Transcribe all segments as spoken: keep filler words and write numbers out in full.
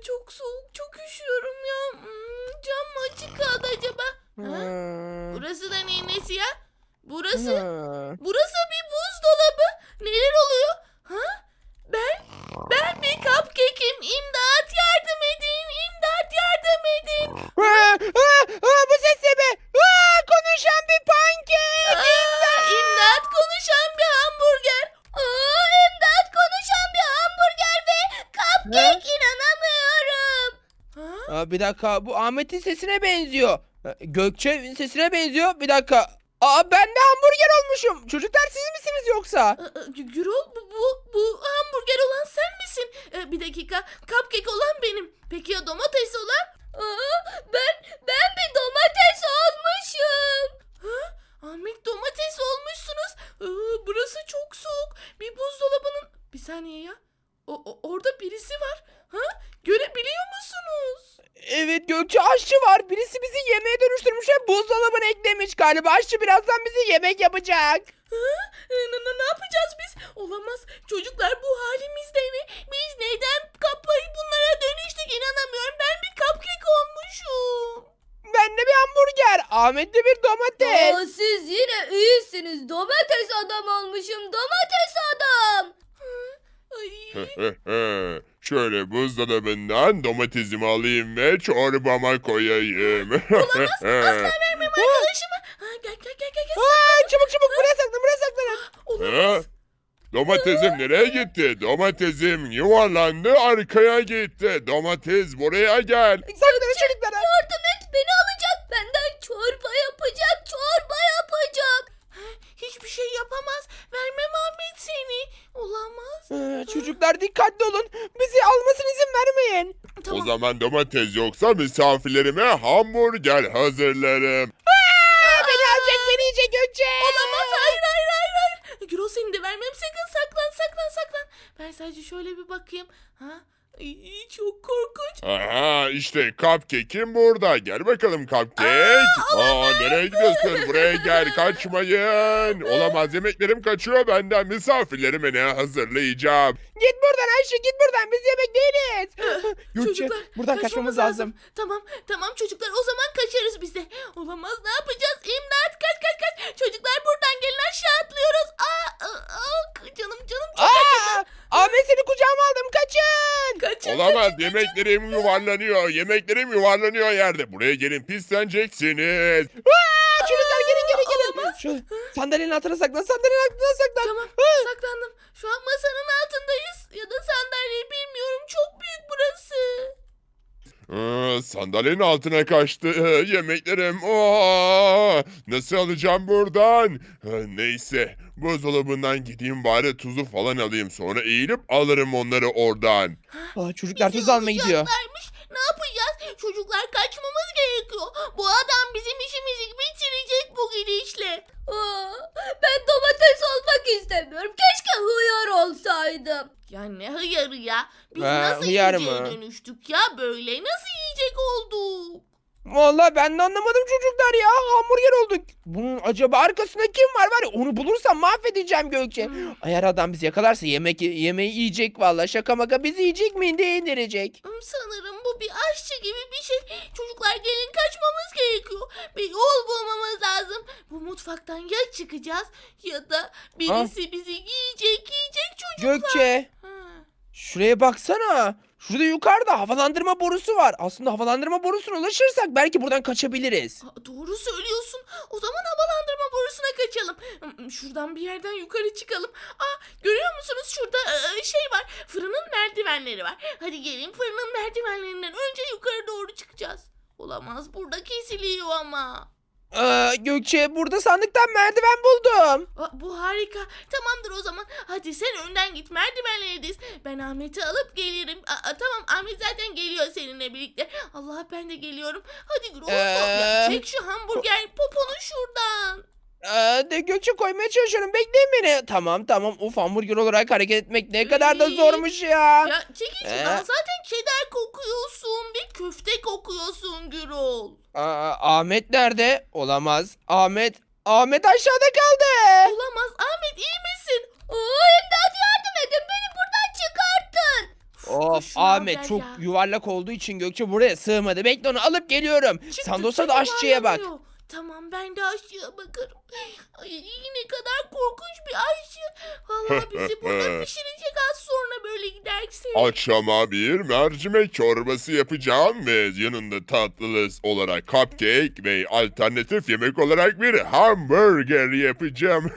çok soğuk, çok üşüyorum ya. Hmm, cam mı açık kaldı acaba? Ha? Hmm. Burası da neyin nesi ya? Burası, Hmm. burası bir buzdolabı. Neler oluyor? Ha? Ben, ben bir cupcake'im. İmdat yardım edin, imdat yardım edin. Aa, aa, aa, bu ses ne be? Aa, konuşan bir pankek. Aa, imdat konuşan bir hamburger. Aa, imdat konuşan bir hamburger ve cupcake, inanamıyorum. Ha? Aa, bir dakika, bu Ahmet'in sesine benziyor. Ee, Gökçe'nin sesine benziyor. Bir dakika. Aa, ben de hamburger olmuşum. Çocuklar siz misiniz yoksa? Aa, Gü- Gürol, bu, bu, bu hamburger olan sen misin? Ee, bir dakika, cupcake olan benim. Peki ya domates olan? Aa, ben ben bir domates olmuşum. Ha? Ahmet, domates olmuşsunuz. Aa, burası çok soğuk. Bir buzdolabının... Bir saniye ya. O, o- orada birisi var. Ha? Görebiliyor musunuz? Evet, Gökçe, aşçı var. Birisi bizi yemeğe dönüştürmüş ve buzdolabına eklemiş galiba. Aşçı birazdan bizi yemek yapacak. Ha? Ee, Ne, ne, ne yapacağız biz? Olamaz. Çocuklar, bu halimizde mi? Biz neden kapayı bunlara dönüştük, inanamıyorum. Ben bir cupcake olmuşum. Ben de bir hamburger. Ahmet de bir domates. Aa, siz yine iyisiniz. Domates adam olmuşum. Domates adam. Ay. Şöyle buzdolabından domatesimi alayım ve çorbama koyayım. Asla vermem arkadaşıma. Ha, gel gel gel gel. gel. Aa, çabuk çabuk buraya saklan, buraya saklanın. Olamaz. Ha? Domatesim nereye gitti? Domatesim yuvarlandı arkaya gitti. Domates buraya gel. Saklanın çocuklar. Yardım et, beni alacak. Benden çorba yapacak. Çorba yapacak. Hiçbir şey yapamaz. Vermem Ahmet seni. Olamaz. Ee, çocuklar dikkatli olun. Bizi almasına izin vermeyin. Tamam. O zaman domates yoksa misafirlerime hamburger hazırlarım. Aa, beni alacak, beni yiyecek Gökçe. Olamaz. Hayır hayır hayır hayır. Gürol, seni de vermem. Sakın saklan saklan saklan. Ben sadece şöyle bir bakayım. Ha? Ay, çok korkunç. Aha işte cupcake'im burada. Gel bakalım cupcake. Aa, nereye gidiyorsun? Buraya gel, kaçmayın. Olamaz, yemeklerim kaçıyor benden. Misafirlerime ne hazırlayacağım? Git buradan Ayşe, git buradan. Biz yemek değiliz. Gökçe, Çocuklar, buradan kaçmamız lazım. Tamam tamam çocuklar, o zaman kaçarız biz de. Olamaz, ne yapacağız? İmdat, kaç kaç kaç. Çocuklar buradan gelin, aşağı atlıyoruz. Aa, aa, aa, canım canım çok Aa, Ahmet, seni kucağıma aldım. Kaçın. kaçın. Olamaz, kaçın, kaçın. yemeklerim yuvarlanıyor. Yemeklerim yuvarlanıyor yerde. Buraya gelin, pisleneceksiniz. Aa, çocuklar gelin gelin gelin. Şu sandalyenin altına saklan, sandalyenin altına saklan. Tamam, Aa, saklandım. Şu an masanın altındayız. Ya da sandalyeyi bilmiyorum. Çok büyük burası. Aa, sandalyenin altına kaçtı. Ee, Yemeklerim. Aa, nasıl alacağım buradan? Ha, neyse. Buzdolabından gideyim bari, tuzu falan alayım. Sonra eğilip alırım onları oradan. Aa, çocuklar Bizi tuz almaya gidiyor. alacaklarmış. Ne yapacağız? Çocuklar, kaçmamız gerekiyor. Bu adam bizim işimizi bitirecek bu gidişle. Aa, ben domates olmak istemiyorum. Keşke hıyar olsaydım. Ya ne hıyarı ya? Biz Ha, nasıl hıyar yiyeceğe mı? dönüştük ya böyle? Nasıl yiyecek olduk? Vallahi ben de anlamadım çocuklar ya. Hamburger olduk. Bunun acaba arkasında kim var var ya, onu bulursam mahvedeceğim Gökçe. Eğer adam bizi yakalarsa yemek yemeği yiyecek vallahi, şaka maka bizi yiyecek mi, indiye indirecek. Hmm, Sanırım bu bir aşçı gibi bir şey. Çocuklar gelin, kaçmamız gerekiyor. Bir yol bulmamız lazım. Bu mutfaktan ya çıkacağız ya da birisi bizi yiyecek yiyecek çocuklar. Gökçe, Ha. şuraya baksana. Şurada yukarıda havalandırma borusu var. Aslında havalandırma borusuna ulaşırsak belki buradan kaçabiliriz. Aa, doğru söylüyorsun. O zaman havalandırma borusuna kaçalım. Hmm, Şuradan bir yerden yukarı çıkalım. Aa, görüyor musunuz? Şurada e, şey var. Fırının merdivenleri var. Hadi gelin, fırının merdivenlerinden önce yukarı doğru çıkacağız. Olamaz, burada kesiliyor ama. Ee, Gökçe, burada sandıktan merdiven buldum. Aa, bu harika. Tamamdır o zaman. Hadi sen önden git, merdivenleri diz. Ben Ahmet'i alıp gelirim. Aa, tamam, Ahmet zaten geliyor seninle birlikte. Allah, ben de geliyorum. Hadi Gürol. Ee? Ya, çek şu hamburger poponu şuradan. Ee, de Gökçe, koymaya çalışıyorum. Bekleyin beni. Tamam tamam. Of, hamburger olarak hareket etmek ne kadar da zormuş ya. Ya çekil şuradan. Ee? Zaten cheddar kokuyorsun. Bir köfte kokuyorsun Gürol. Aa, Ahmet nerede? Olamaz. Ahmet. Ahmet aşağıda kaldı. Olamaz. Ahmet, iyi misin? Aa, imdat yardım edin. Beni buradan çıkartın. Oo, Of şunu al Ahmet gel çok ya. yuvarlak olduğu için Gökçe buraya sığmadı. Bekle onu alıp geliyorum. Çıktı, Sandos'a da çok aşçıya bak. yuvarlanıyor. Tamam ben de aşçıya bakarım. Ay ne kadar korkunç bir aşçı. Vallahi bizi burada pişirecek az sonra böyle giderse. Akşama bir mercimek çorbası yapacağım ve yanında tatlı olarak cupcake ve alternatif yemek olarak bir hamburger yapacağım.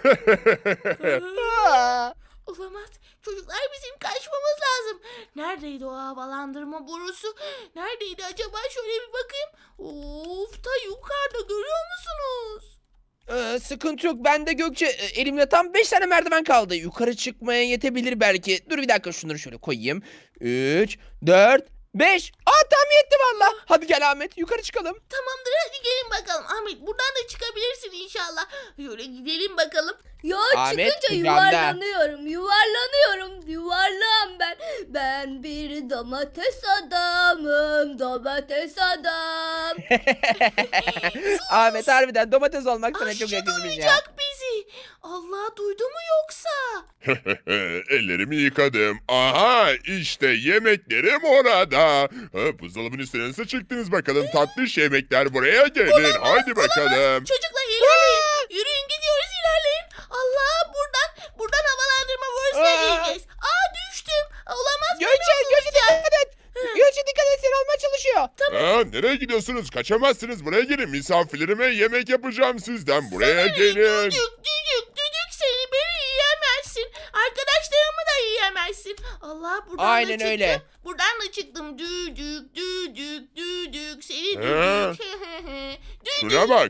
Aa, Olamaz. Çocuklar bizim kaçmamız lazım. Neredeydi o havalandırma borusu? Neredeydi acaba? Şöyle bir bakayım. Of ta yukarıda görüyor musunuz? Ee, sıkıntı yok. Ben de Gökçe e, elimde tam beş tane merdiven kaldı. Yukarı çıkmaya yetebilir belki. Dur bir dakika şunları şöyle koyayım. üç, dört, beş. Aa tam yetti valla. Hadi gel Ahmet yukarı çıkalım. Tamamdır hadi gelin bakalım. Ahmet buradan da çıkabilirsin inşallah. Şöyle gidelim bakalım. Ya Ahmet, çıkınca kucağımda. yuvarlanıyorum, yuvarlanıyorum, yuvarlağım ben. Ben bir domates adamım, domates adam. Ahmet harbiden domates olmak sana çok Aşçı yakışmış ya. duyacak bizi. Allah duydu mu yoksa? Ellerimi yıkadım. Aha işte yemeklerim orada. Ha, buzdolabının üstüne nasıl çıktınız bakalım tatlış yemekler buraya gelin. Haydi bakalım. Çocuklar ilerleyin. Yürüyün gidiyoruz ilerleyin. Allah buradan buradan havalandırma borusuna Aa. gireceğiz. Aa düştüm. Olamaz. Gökçe Gökçe dikkat et. Gökçe dikkat et seni almaya çalışıyor. Ha, nereye gidiyorsunuz? Kaçamazsınız. Buraya gelin. Misafirlerime yemek yapacağım sizden. Buraya Seni gelin. Düdük düdük düdük seni beni yiyemezsin. Arkadaşlarımı da yiyemezsin. Allah buradan da Aynen çıktım. öyle. Buradan da çıktım. Düdük düdük düdük seni Ha. düdük. Şuna bak.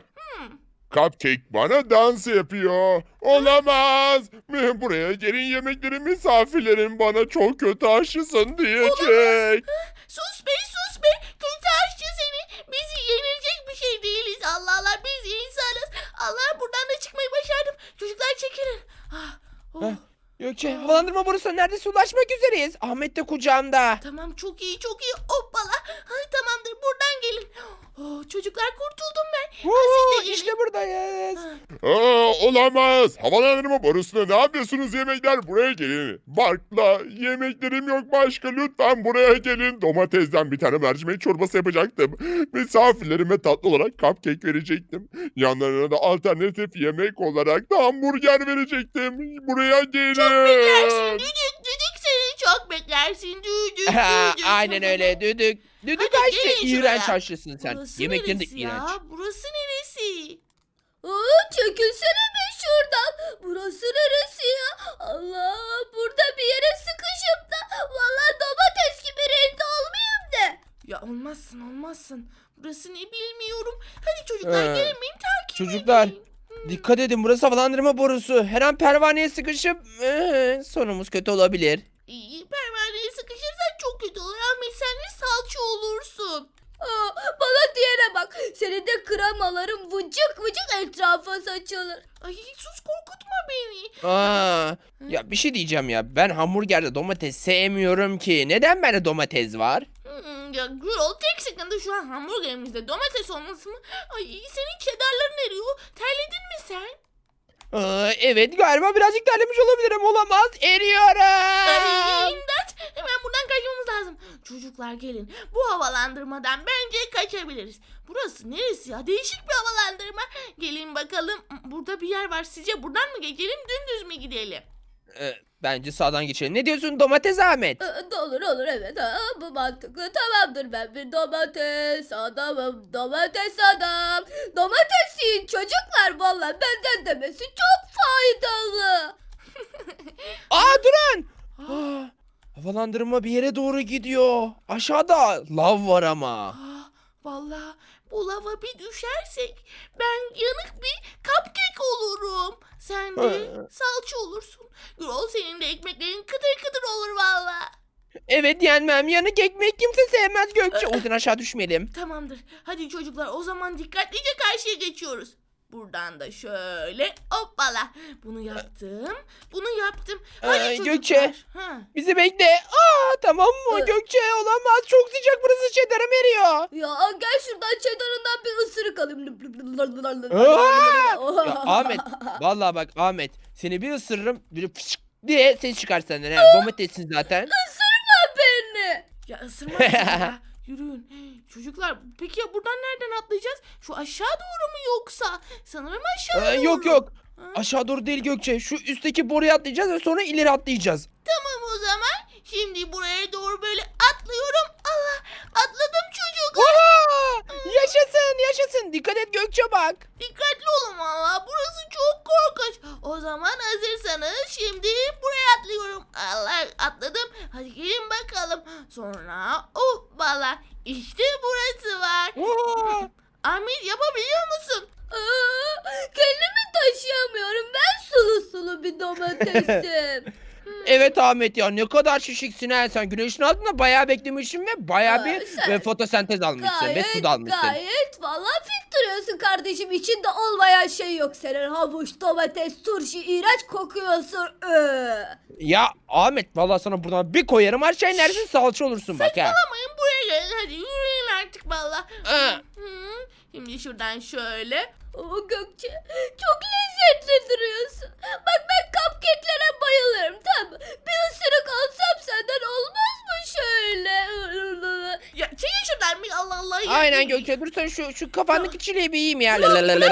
Cupcake bana dans yapıyor. Olamaz. Buraya gelin yemekleri misafirlerim bana çok kötü aşısın diyecek. Sus be sus be. Kötü aşçı seni. Biz yenilecek bir şey değiliz. Allah Allah biz insanız. Allah buradan da çıkmayı başardım. Çocuklar çekilin. Ah, oh. Heh. Gökçe havalandırma borusuna neredeyse ulaşmak üzereyiz. Ahmet de kucağımda. Tamam çok iyi çok iyi. Hoppala. Ay, tamamdır buradan gelin. Oh, çocuklar kurtuldum ben. Ha, Woo, siz de gelin. işte buradayız. Ha. Aa, olamaz. Havalandırma borusuna ne yapıyorsunuz yemekler? Buraya gelin. Barkla yemeklerim yok başka. Lütfen buraya gelin. Domatesden bir tane mercimek çorbası yapacaktım. Misafirlerime tatlı olarak cupcake verecektim. Yanlarına da alternatif yemek olarak da hamburger verecektim. Buraya gelin. Beklersin düdük düdük seni çok beklersin düdük Ha, düdük. aynen öyle düdük. Düdük Hadi aşçı. gelin İğrenç şuraya. aşçısın sen. Burası Yemeklerin de neresi iğrenç. ya? Burası neresi? Aa, çekilsene be şuradan. Burası neresi ya? Allah, burada bir yere sıkışıp da vallahi domates gibi renkli olmayayım de. Ya olmazsın olmazsın. Burası ne bilmiyorum. Hadi çocuklar Ee, gelin beni takip çocuklar, edin. Hmm. Dikkat edin burası havalandırma borusu. Her an pervaneye sıkışıp ee, sonumuz kötü olabilir. İyi pervaneye sıkışırsan çok kötü olur. Ahmet sen de salça olursun. Aa, bana diyene bak. Senin de kremaların vıcık vıcık etrafa saçılır. Ay sus korkutma beni. Aa, ya bir şey diyeceğim ya. Ben hamburgerde domates sevmiyorum ki. Neden bende domates var? Hmm, ya Gürol tek sıkıntı şu an hamburgerimizde domates olması mı? Ay senin cheddarların eriyor. Terledin mi sen? Aa, evet galiba birazcık terlemiş olabilirim. Olamaz. Eriyorum. Ay imdat. Hemen buradan kaçmamız lazım. Çocuklar gelin. Bu havalandırmadan bence kaçabiliriz. Burası neresi ya? Değişik bir havalandırma. Gelin bakalım. Burada bir yer var. Sizce buradan mı geçelim dümdüz mü gidelim? Ee, bence sağdan geçelim. Ne diyorsun domates Ahmet? Ee, da olur olur evet. Ha, bu mantıklı. Tamamdır, ben bir domates adamım. Domates adam. Domates yiyin çocuklar. Vallahi benden demesi çok faydalı. Aa durun. Aa, havalandırma bir yere doğru gidiyor. Aşağıda lav var ama. Ah, vallahi bu lava bir düşersek ben yanık bir cupcake olurum. Sen de Ee. salça olursun. Gürol senin de ekmeklerin kıtır kıtır olur vallahi. Evet yenmem. Yanık ekmek kimse sevmez Gökçe. O yüzden aşağı düşmeyelim. Tamamdır. Hadi çocuklar o zaman dikkatlice karşıya geçiyoruz. Buradan da şöyle hoppala. Bunu yaptım. Bunu yaptım. Hadi Ee, çocuklar. Gökçe. Ha. Bizi bekle. Aa tamam mı Ee. Gökçe olamaz. Çok sıcak burası çedarım eriyor. Ya gel şuradan çedarından bir ısırık alayım. Aa! Ya Ahmet vallahi bak Ahmet seni bir ısırırım böyle fışk diye ses çıkar senden. He. Domatessin zaten. beni. Ya ısırmaz ya. Yürüyün. Çocuklar peki ya buradan nereden atlayacağız? Şu aşağı doğru mu yoksa? Sanırım aşağı Ee, doğru. yok yok. Ha? Aşağı doğru değil Gökçe. Şu üstteki boruya atlayacağız ve sonra ileri atlayacağız. Tamam o zaman. Şimdi buraya doğru böyle atlıyorum. Allah atladım çocuklar. Oha! Yaşasın yaşasın. Dikkat et Gökçe bak. Dikkatli olun valla. Burası çok korkunç. O zaman hazırsanız şimdi buraya atlıyorum. Allah atladım. Hadi gelin bakalım. Sonra oh valla işte burası var. Oha! Ahmet yapabiliyor musun? Aa, kendimi taşıyamıyorum. Ben sulu sulu bir domatesim. Evet Ahmet ya ne kadar şişiksin ha sen. Güneşin altında bayağı beklemişsin ve bayağı Aa, bir sen- ve fotosentez almışsın ve Gayet su da almışsın. gayet valla fit duruyorsun kardeşim. İçinde olmayan şey yok senin. Havuç, domates, turşu, iğrenç kokuyorsun. Ee. Ya Ahmet vallahi sana buradan bir koyarım aşağı inersin salça olursun bak ha. Saçmalamayın buraya gelin hadi yürüyün artık valla. Aa. Hı, Şimdi şuradan şöyle. O Gökçe çok lezzetli duruyorsun. Bak ben cupcake'lere bayılırım tamam mı? Bir ısırık alsam senden olmaz mı şöyle? Ya çekin şuradan bir Allah Allah. ya. Aynen Gökçe dur sen şu, şu kafandaki çileği bir yiyeyim ya. Ya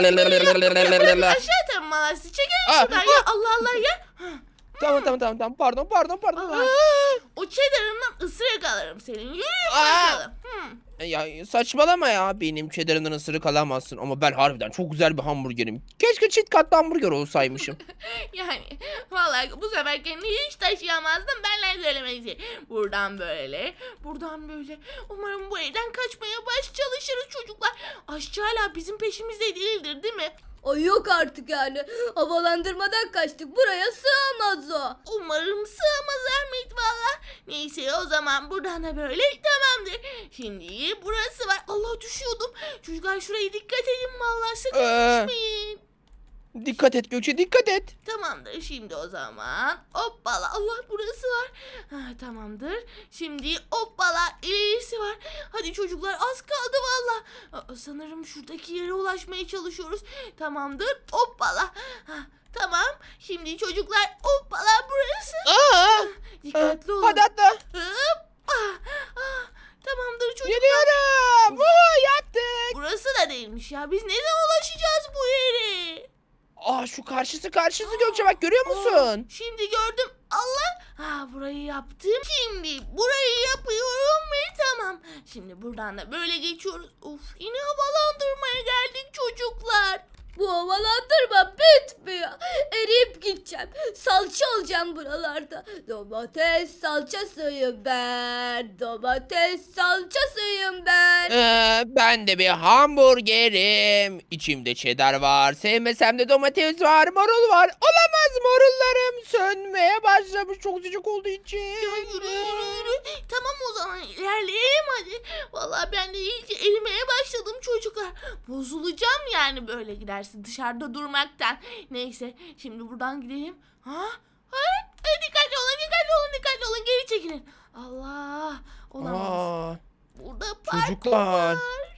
bırakın aşağı atarım valla sizi. Çekin Aa, şuradan ya Allah Allah ya. Tamam tamam tamam tamam pardon pardon pardon. Allah. O cheddar'ımdan ısırık alırım senin. Yürüyün Aa. bakalım. Hı. Ya saçmalama ya benim cheddar'ından ısırık alamazsın ama ben harbiden çok güzel bir hamburgerim. Keşke çift katlı hamburger olsaymışım. Yani vallahi bu sefer kendini hiç taşıyamazdım. Benle söylemesi. Buradan böyle, buradan böyle. Umarım bu evden kaçmaya baş çalışırız çocuklar. Aşçı hala bizim peşimizde değildir değil mi? Ay yok artık yani. Havalandırmadan kaçtık. Buraya sığamaz o. Umarım sığmaz Ahmet valla. Neyse o zaman buradan da böyle tamamdır. Şimdi burası var. Allah düşüyordum. Çocuklar şuraya dikkat edin valla sakın Ee. düşmeyin. Dikkat et Gökçe dikkat et. Tamamdır şimdi o zaman. Hoppala Allah burası var. Ha, tamamdır. Şimdi hoppala ilerisi var. Hadi çocuklar az kaldı valla. Aa, Sanırım şuradaki yere ulaşmaya çalışıyoruz. Tamamdır hoppala. Ha, tamam. Şimdi çocuklar hoppala burası. Aa, Dikkatli olun. hadi atla. Hop. Ah, ah. Tamamdır çocuklar. Geliyorum. Woohoo, yattık. Burası da değilmiş ya. Biz ne zaman ulaşacağız bu yere? Aa şu karşısı karşısı Gökçe bak görüyor musun? Şimdi gördüm. Allah. Ha burayı yaptım. Şimdi burayı yapıyorum ve tamam. Şimdi buradan da böyle geçiyoruz. Of yine havalandırmaya geldik çocuklar. Bu havalandırma bitmiyor. Eriyip gideceğim. Salça olacağım buralarda. Domates salçasıyım ben. Domates salçasıyım ben. Ee, ben de bir hamburgerim. İçimde cheddar var. Sevmesem de domates var. Marul var. Olamaz marullarım sönmeye başlamış. Çok sıcak olduğu için. Ya yürü yürü yürü. Tamam o zaman ilerleyelim hadi. Vallahi ben de iyice erimeye başladım çocuklar. Bozulacağım yani böyle gidersin dışarıda durmaktan. Neyse şimdi buradan gidelim. Ha? Ha? E, dikkatli olun dikkatli olun dikkatli olun geri çekilin. Allah olamaz. Aa, Burada park çocuklar.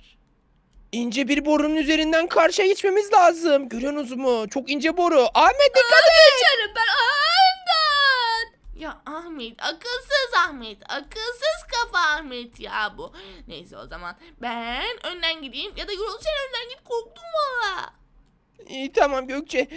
İnce bir borunun üzerinden karşıya geçmemiz lazım. Görüyorsunuz mu? Çok ince boru. Ahmet dikkat et. Geçerim ben. Aynen. Ya Ahmet akılsız Ahmet akılsız kafa Ahmet ya bu. Neyse o zaman ben önden gideyim ya da Gürol sen önden git korktum valla. İyi tamam Gökçe.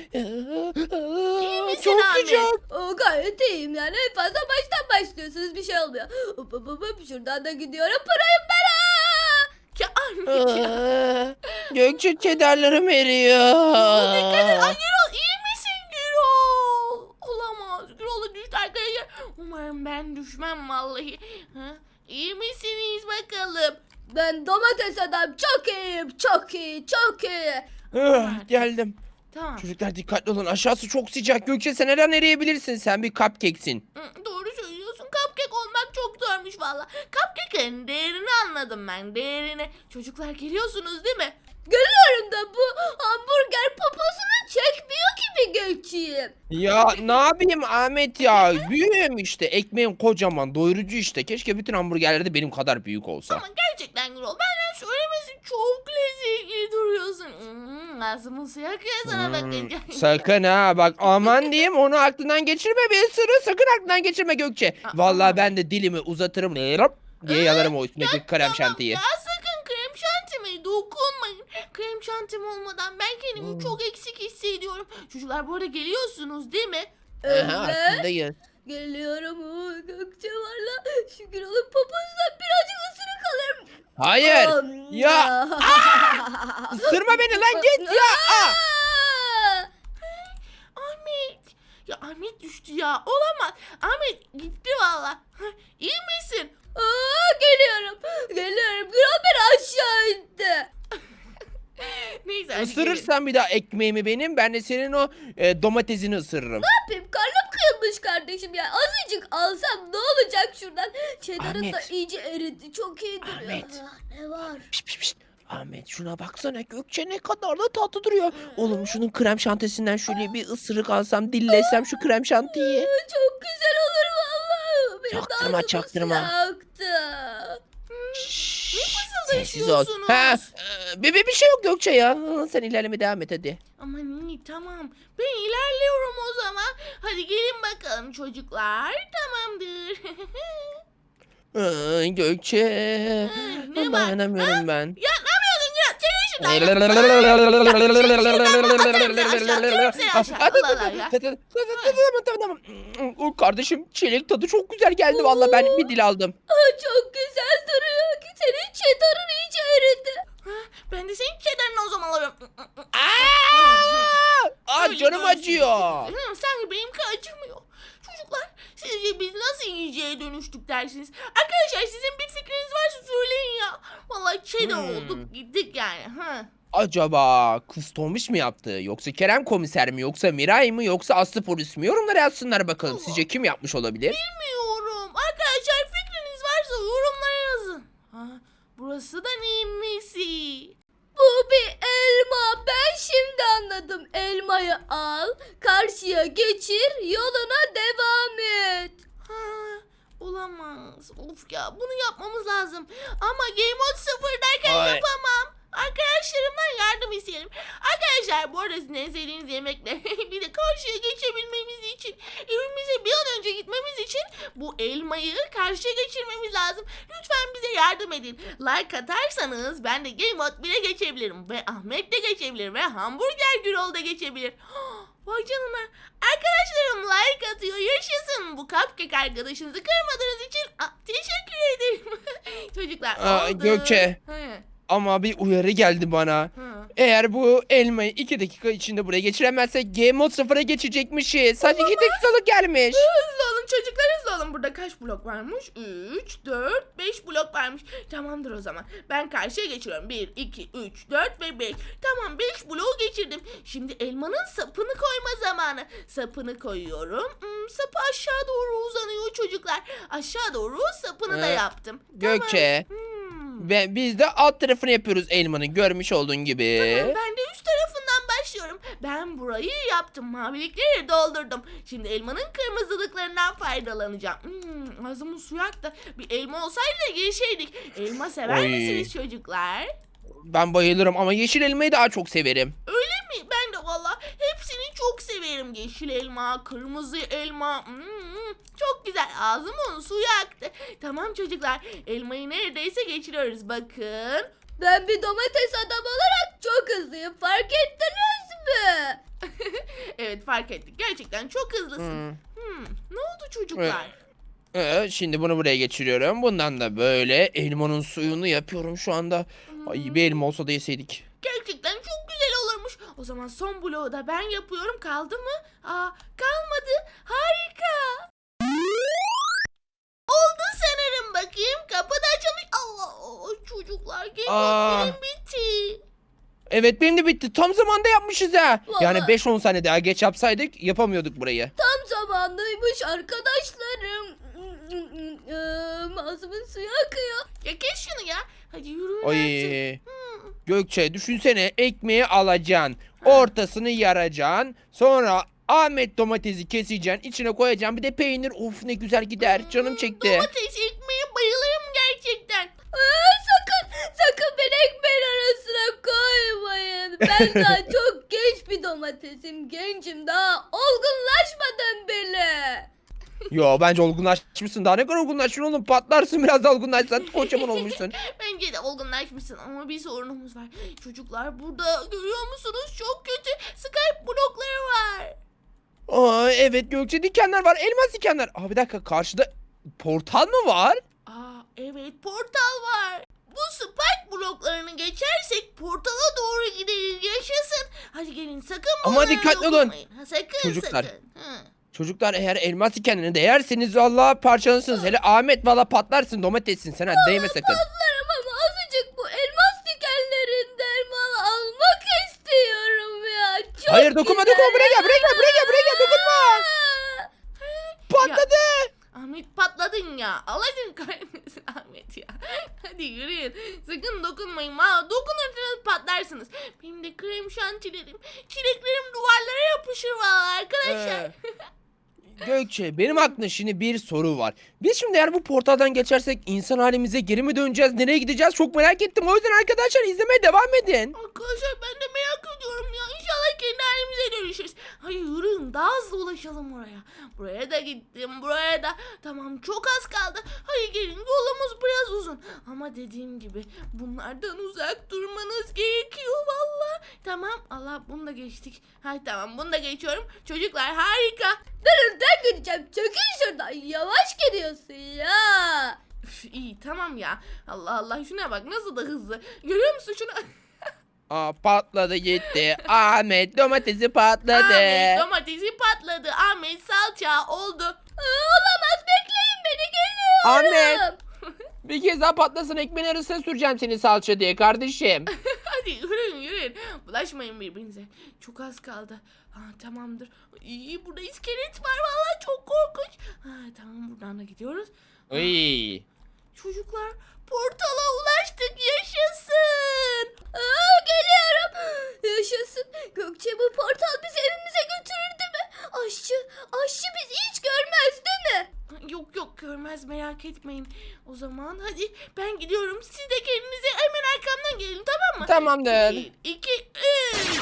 misin Çok Ahmet? sıcak. O gayet iyiyim yani. En fazla baştan başlıyorsunuz. Bir şey olmuyor. Hop hop hop hop. Şuradan da gidiyorum. Pırayım ben. Aa! Ya Ahmet ya. Aa, Gökçe cheddarlarım eriyor. Dikkat et. Ay Gürol iyi misin Gürol? Olamaz. Gürol'a düştü arkadaşlar. Umarım ben düşmem vallahi. Ha? İyi misiniz bakalım? Ben domates adam çok iyiyim. Çok iyi. Çok iyi. Ah, geldim. Tamam. Çocuklar dikkatli olun. Aşağısı çok sıcak. Gökçe sen her an eriyebilirsin. Sen bir cupcake'sin. Hı, Doğru söylüyorsun. Cupcake olmak çok zormuş valla. Cupcake'in değerini anladım ben. Değerini. Çocuklar geliyorsunuz değil mi? Görüyorum da bu hamburger poposunu çekmiyor ki bir geçeyim. Ya ne yapayım Ahmet ya? Büyüğüm işte. Ekmeğim kocaman. Doyurucu işte. Keşke bütün hamburgerler de benim kadar büyük olsa. Ama gerçekten Gürol benden söylemesi çok lezzetli duruyorsun. Hmm, ağzımın suyu akıyor sana Hmm, bakınca. sakın ha bak aman diyeyim onu aklından geçirme bir sürü sakın aklından geçirme Gökçe. Aa. Vallahi ben de dilimi uzatırım. Hop, diye yalarım o üstündeki krem Tamam şantiyi. ya sakın krem şantime dokunmayın. Krem şantim olmadan ben kendimi Hmm. çok eksik hissediyorum. Çocuklar bu arada geliyorsunuz değil mi? Aha, Evet. aklındayız. Geliyorum. Oo, Gökçe valla. Şükür olup poposundan birazcık ısırık alırım. Hayır. Am, Ya. Isırma beni lan git ya. Aa! Aa! Ahmet. Ya Ahmet düştü ya. Olamaz. Ahmet gitti valla. Hah, İyi misin? Aa, geliyorum. Geliyorum. Gürol beni aşağı itti. Neyse hadi gelin. Isırırsan bir daha ekmeğimi benim, ben de senin o e, domatesini ısırırım. Ne yapayım? Karnım kıyılmış kardeşim ya. Azıcık alsam ne olacak şuradan? Cheddar'ın da Ahmet. iyice eridi. Çok iyi duruyor. Ahmet. Ah, ne var? Pişt, pişt, pişt. Ahmet şuna baksana, Gökçe ne kadar da tatlı duruyor. Oğlum şunun krem şantisinden şöyle bir ısırık alsam, dillesem şu krem şantiyi. Aa, çok güzel olur vallahi. Benim Çaktırma, ağzımı çaktırma. yaktı. Şşş, sessiz ol. fısıldaşıyorsunuz? Ha, e, bir, bir, bir şey yok Gökçe ya. Sen ilerleme devam et hadi. Aman iyi tamam. Ben ilerliyorum o zaman. Hadi gelin bakalım çocuklar. Tamamdır. Ay, Gökçe. ne var? Dayanamıyorum ben. Ya ne yapıyorsun ya? Çekil şuradan. O kardeşim, çilek tadı çok güzel geldi vallahi, ben bir dil aldım. Aa, çok güzel duruyor. Senin Cheddar'ın iyice eridi. Ben de senin çedarını o zaman alıyorum. Aa, Aa Öyle canım görsün. acıyor. Hı, sanki benimki acımıyor. Çocuklar sizce biz nasıl yiyeceğe dönüştük dersiniz? Arkadaşlar sizin bir fikriniz varsa söyleyin ya. Vallahi çedar Hmm. olduk gittik yani. Ha. Acaba kız Tomiş mi yaptı? Yoksa Kerem komiser mi? Yoksa Miray mı? Yoksa Aslı polis mi? Yorumlara yazsınlar bakalım. Sizce kim yapmış olabilir? Bilmiyorum. Arkadaşlar fikriniz varsa yorumlara yazın. Ha, burası da neyin nesi? Bu bir elma. Ben şimdi anladım. Elmayı al, karşıya geçir, yoluna devam et. Ha, olamaz. Of ya bunu yapmamız lazım. Ama Game Mode sıfırdayken Ay. yapamam. Arkadaşlarımdan yardım isteyelim. Arkadaşlar bu arada sizin en sevdiğiniz yemekle bir de karşıya geçebilmemiz için evimize bir an önce gitmemiz için bu elmayı karşıya geçirmemiz lazım. Lütfen bize yardım edin. Like atarsanız ben de Game Mode bire geçebilirim. Ve Ahmet de geçebilir. Ve Hamburger Gürol da geçebilir. Vay canına. Arkadaşlarım like atıyor. Yaşasın. Bu cupcake arkadaşınızı kırmadığınız için Aa, teşekkür ederim. Çocuklar Aa, oldu. Gökçe. He, Ama bir uyarı geldi bana. he. Eğer bu elmayı iki dakika içinde buraya geçiremezsek Game Mode sıfıra geçecekmişiz. Sadece iki dakikalık gelmiş. Hızlı olun çocuklar hızlı olun. Burada kaç blok varmış? üç, dört, beş blok varmış. Tamamdır o zaman. Ben karşıya geçiyorum. bir, iki, üç, dört ve beş. Tamam beş bloğu geçirdim. Şimdi elmanın sapını koyma zamanı. Sapını koyuyorum. Hmm, sapı aşağı doğru uzanıyor çocuklar. Aşağı doğru sapını da Ee, yaptım. Gökçe. Tamam. Hmm. Ve biz de alt tarafını yapıyoruz elmanın, görmüş olduğun gibi. Tamam, ben de üst tarafından başlıyorum. Ben burayı yaptım. Mavilikleri doldurdum. Şimdi elmanın kırmızılıklarından faydalanacağım. Hmm, ağzımın suyu aktı. Bir elma olsaydı da geçeydik. Elma sever Oy. misiniz çocuklar? Ben bayılırım ama yeşil elmayı daha çok severim. Öyle mi? Ben de valla hepsini çok severim. Yeşil elma, kırmızı elma. Hmm, çok güzel. Ağzımın suyu aktı. Tamam çocuklar. Elmayı neredeyse geçiriyoruz. Bakın. Ben bir domates adam olarak çok hızlıyım. Fark ettiniz mi? Evet fark ettik. Gerçekten çok hızlısın. Hmm. Hmm, ne oldu çocuklar? Ee, şimdi bunu buraya geçiriyorum. Bundan da böyle elmanın suyunu yapıyorum şu anda. Ay bir elma olsa da yeseydik. Gerçekten çok güzel olurmuş. O zaman son bloğu da ben yapıyorum. Kaldı mı? Aa, kalmadı. Harika. Oldu sanırım. Bakayım kapı da açılmış. Allah çocuklar Aa. gelin bitti. Evet benim de bitti. Tam zamanda yapmışız ha. Yani Vallahi. beş on saniye daha geç yapsaydık yapamıyorduk burayı. Tam zamanlıymış arkadaşlarım. Ee, Ağzımın suyu akıyor. Ya kes şunu ya. Hadi yürüyün artık. Ay. Hmm. Gökçe düşünsene, ekmeği alacaksın. Ortasını yaracaksın. Sonra Ahmet domatesi keseceksin. İçine koyacaksın. Bir de peynir. Of ne güzel gider. Canım çekti. Domates ekmeğe bayılırım gerçekten. Aa, sakın sakın beni ekmeğin arasına koymayın. Ben daha çok genç bir domatesim. Gencim, daha olgunlaşmadım bile. Yo bence olgunlaşmışsın. Daha ne kadar olgunlaşmışsın oğlum. Patlarsın biraz da olgunlaşsan. Kocaman olmuşsun. Bence de olgunlaşmışsın ama bir sorunumuz var. Çocuklar burada görüyor musunuz? Çok kötü Skype blokları var. Aa, evet Gökçe, dikenler var. Elmas dikenler. Aa, bir dakika, karşıda portal mı var? Aa evet portal var. Bu spike bloklarını geçersek portala doğru gideriz. Yaşasın. Hadi gelin sakın Ama bunlara dikkatli olun. dokunmayın. Ha, sakın Çocuklar. sakın. Hı. Çocuklar, eğer elmas dikenlerine değerseniz valla parçalanırsınız. Hele Ahmet valla patlarsın, domatessin sen, hadi değme sakın. Patlarım ama azıcık bu elmas dikenlerinden mal almak istiyorum ya. Çok Hayır, dokunma güzel. dokunma, buraya gel buraya gel buraya gel buraya gel, dokunma. Aa! Patladı. Ahmet patladın ya. Allah'ın kahretmesin Ahmet ya. Hadi yürüyün. Sakın dokunmayın. Ha, dokunursanız patlarsınız. Benim de krem şantilerim, çileklerim duvarlara yapışır valla arkadaşlar. Ee, Gökçe, benim aklımda şimdi bir soru var. Biz şimdi eğer bu portaldan geçersek insan halimize geri mi döneceğiz? Nereye gideceğiz? Çok merak ettim. O yüzden arkadaşlar izlemeye devam edin. Arkadaşlar ben de merak ediyorum ya. İnşallah kendi halimize dönüşürüz. Hadi yürüyün daha hızlı ulaşalım oraya. Buraya da gittim, buraya da. Tamam çok az kaldı. Hadi gelin, yolumuz biraz uzun. Ama dediğim gibi bunlardan uzak durmanız gerekiyor valla. Tamam Allah, bunu da geçtik. Hay tamam, bunu da geçiyorum. Çocuklar harika. Nereden gideceğim? Çekil şuradan. Yavaş gidiyorsun ya. Üf, iyi tamam ya. Allah Allah, şuna bak nasıl da hızlı. Görüyor musun şunu? Aa, patladı gitti. Ahmet domatesi patladı. Ahmet domatesi patladı. Ahmet salça oldu. Aa, olamaz, bekleyin beni, geliyorum. Ahmet. Bir kez daha patlasın, ekmeğin arasına süreceğim seni salça diye kardeşim. Hadi yürüyün yürüyün. Bulaşmayın birbirinize. Çok az kaldı. Ha, tamamdır. İyi, burada iskelet var vallahi, çok korkunç. Ha, tamam, buradan da gidiyoruz. Ay. Çocuklar portala ulaştık, yaşasın. Aa, geliyorum. Yaşasın. Gökçe, bu portal bizi evimize götürür değil mi? Aşçı, aşçı bizi hiç görmez değil mi? Yok yok, görmez, merak etmeyin. O zaman hadi ben gidiyorum. Siz de kendinize hemen arkamdan gelin, tamam mı? Tamamdır. Bir, iki, üç.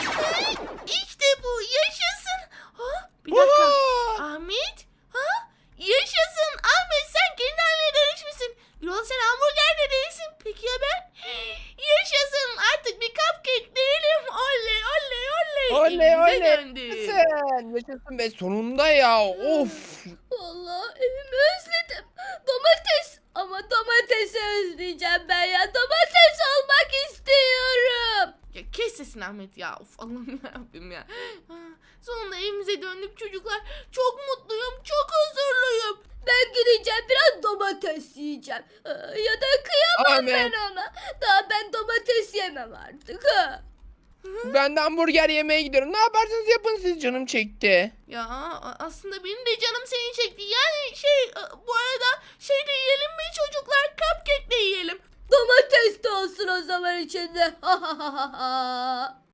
İşte bu, yaşasın. Ha, bir dakika. Oha! Ahmet? Ha? Yaşasın. Ahmet sen kendi haline dönüşmüşsün. Yol sen hamburger de değilsin. Peki ya ben? Yaşasın. Artık bir cupcake değilim. Oley oley oley. Oley Evimize oley. döndük. Yaşasın. Yaşasın be, sonunda ya. Of. Vallahi evimi özledim. Domates. Ama domatesi özleyeceğim ben ya. Domates olmak istiyorum. Ya kes sesini Ahmet ya. Of Allah'ım yarabbim ya. Ha, sonunda evimize döndük çocuklar. Çok mutluyum. Çok huzurluyum. Ben gideceğim, biraz domates yiyeceğim. Aa, ya da kıyamam Ahmet. ben ona. Daha ben domates yemem artık. Ha. Ben de hamburger yemeye gidiyorum. Ne yaparsanız yapın, siz, canım çekti. Ya a- aslında benim de canım seni çekti. Yani şey e, bu arada şey de yiyelim mi çocuklar? Cupcake de yiyelim. Domates de olsun o zaman içinde. Ha ha ha ha ha.